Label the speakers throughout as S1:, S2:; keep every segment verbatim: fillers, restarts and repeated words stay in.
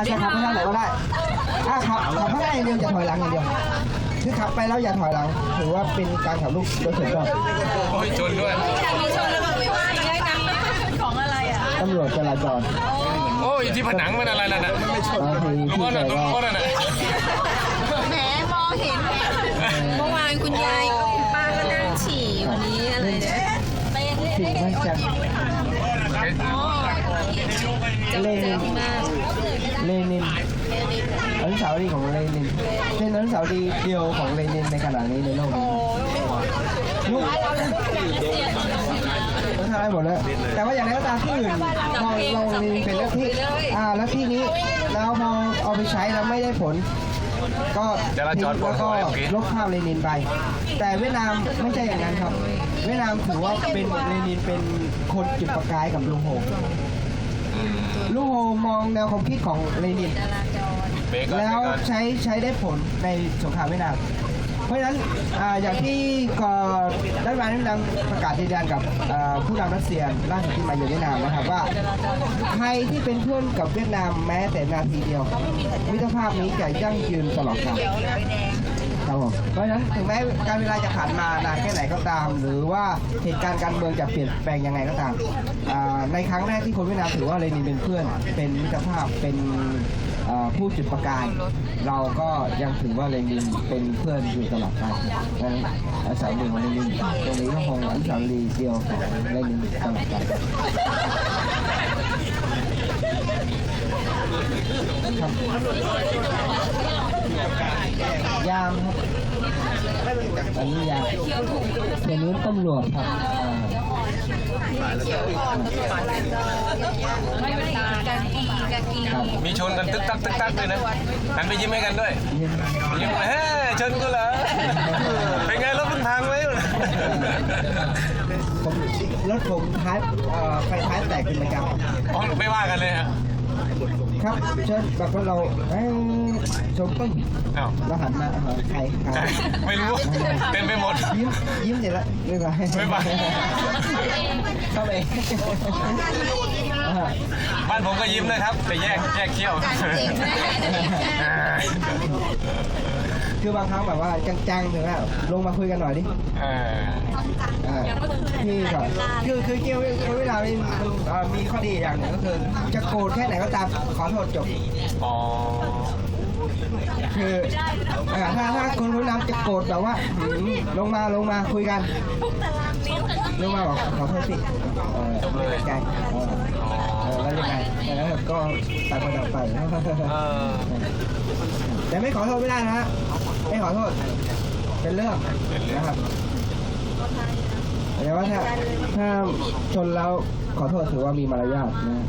S1: จะขับไปทางไหนก็ได้ถ้าขับขับข้างหน้าอย่างเดียวจะถอยหลังอย่างเดียวคือขับไปแล้วอย่าถอยหลังถือว่าเป็นการขับลูกโดยส่วนตัว
S2: โอ้ยชนด้วย
S3: มีชนแล้วก็ไม่ว่าได้นะของอะไรอ่ะ
S1: ตำรวจจราจร
S2: โอ้ยที่ผนังมันอะไรล่ะนะ
S1: บางที
S2: ลุง
S1: ที่
S2: อ้น
S1: ใจ
S2: น่ะลุง
S1: ว่า
S2: อ้นน่ะ
S3: แหมมองเห็นเมื่อวานคุณยายกับคุณป้าก็นั่งฉี่วันนี้อะไรเนี่ย
S1: ผิดไม่จังเลนินเลนินอนุสาวรีย์ของเลนินเป็นอนุสาวรีย์เดียวของเลนินในขณะนี้ในโลกนี้ลูกก็ทำได้หมดแล้วแต่ว่าอย่างไรก็ตามที่อื่นมองลงเลนินเป็นลัทธิอ่าลัทธินี้แล้วพอเอาไปใช้แล้วไม่ได้ผลก็ทิ้งแล้วก็ลบภาพเลนินไปแต่เวียดนามไม่ใช่อย่างนั้นครับเวียดนามถือว่าเป็นเลนินเป็นคนจุดประกายกับลุงโฮลุงโฮมองแนวความคิดของเลนินแล้วใช้ใช้ได้ผลในสงครามเวียดนามเพราะฉะนั้นอ่าอย่างที่ก่อนรัฐบาลเวียดนามประกาศยืนยันกับอ่าผู้นำรัสเซียล่าสุดที่มาอยู่เวียดนามนะครับว่าใครที่เป็นเพื่อนกับเวียดนามแม้แต่นาทีเดียวมิตรภาพนี้จะยั่งยืนตลอดกาลครับผมเพราะฉะนั้นถึงแม้การเวลาจะผ่านมานานแค่ไหนก็ตาม หรือว่าเหตุการณ์การเมืองจะเปลี่ยนแปลงยังไงก็ตามอ่าในครั้งแรกที่คนเวียดนามถือว่าเลนินเป็นเพื่อนเป็นมิตรภาพเป็นผู้จุดประกายเราก็ยังถือว่าเลนินเป็นเพื่อนอยู่ตลอดไปดังนั้นอนุสาวรีย์ของเลนินตรงนี้ก็คงอนุสาวรีย์เดียวของเลนินตลอดไปครับยามครับอันนี้ยามเป็นนู้นตำรวจครับ
S2: มีชนกันตึกตักตึกตักเลยนะหันไปยิ้มให้กันด้วยยิ้มเฮ้ยชนกูเหรอเป็นไงรถมึงพังไหม
S1: ผมรถผมท้ายไฟท้ายแตกเป็นประจำ
S2: อ๋อไม่ว่ากันเลยฮะ
S1: ครับเชิญแบบว่าเราเอ้ชมปึ้ง
S2: อ้าว
S1: เราหันมาใครใคร
S2: ไม่รู้เต็มไปหมด
S1: ยิ้มยิ้มเสร็จแล้วไม่เป็นไร
S2: ไม่เป็นไร
S1: เข้าไป
S2: บ้านผมก็ยิ้มนะครับแต่แยกแยกเขี้ยว
S1: คือบางครั้งแบบว่าจังๆถึงแล้วลงมาคุยกันหน่อยดิพี่ก่อนคือคือเกี่ยวกับเวลามันมีข้อดีอย่างหนึ่งก็คือจะโกรธแค่ไหนก็ตามขอโทษจบ
S2: อ๋อ
S1: คือถ้าถ้าคนรู้น้ำจะโกรธแบบว่าลงมาลงมาคุยกันลงมาบอกขอโทษสิจบเลยใจแล้วยังไงแล้วก็ตัดไปตัดไปแต่ไม่ขอโทษไม่ได้นะฮะไม่ขอโทษเป็นเรื่องนะครับแต่ว่าถ้าถ้าชนแล้วขอโทษถือว่ามีมารยาทนะ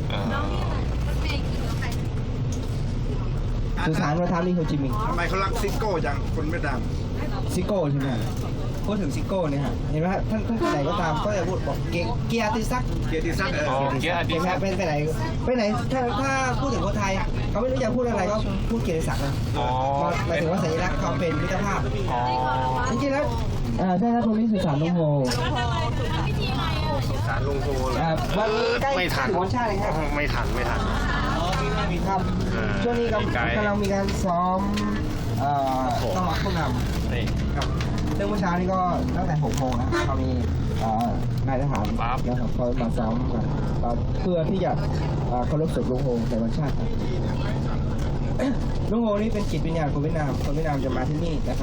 S1: สุสานวัฒนธรรมนี่โฮจิมินห์
S4: ทำไมเขารักซิโก้จังคนเวียดนาม
S1: ซิโก้ใช่ไหมพูดถึงซิโก้เนี่ยฮะเห็นไหมฮะท่านท่านไปไหนก็ตามก็จะพูดบอกเกียรติศักดิ์
S4: เกียรติศักดิ์เออ
S2: อ๋อเกียรติศักดิ์
S1: เป็นไปไหนไปไหนถ้าถ้าพูดถึงคนไทยเขาไม่รู้จะพูดอะไรก็พูดเกียรติศักดิ์นะ
S2: อ๋อ
S1: หมายถึงว่าสัญลักษณ์เขาเป็นมิตรภาพ
S2: อ๋อ
S1: จริงๆแล้วอ่าใช่ครับตรงนี้สุสานลุงโฮ
S4: สารลงโทเลย
S1: อ่าวันใกล้
S4: ไม่ทัน
S1: หัวชาติเลยครับ
S4: ไม่ทันไม่ทัน
S1: ครับช่วงนี้กำกำลังมีการซ้อมเอ่อต้อนรับผู้นำ
S2: นี่
S1: ครับซึ่งเมื่อเช้านี้ก็ตั้งแต่หกโมงนะครับเขามีเอ่อนายทหารนะครับเขามาซ้อมกันเอ่อเพื่อที่จะเอ่อเคารพศพลุงโฮในวันชาติครับลุงโฮนี่เป็นจิตวิญญาณคนเวียดนามคนเวียดนามจะมาที่นี่นะครับ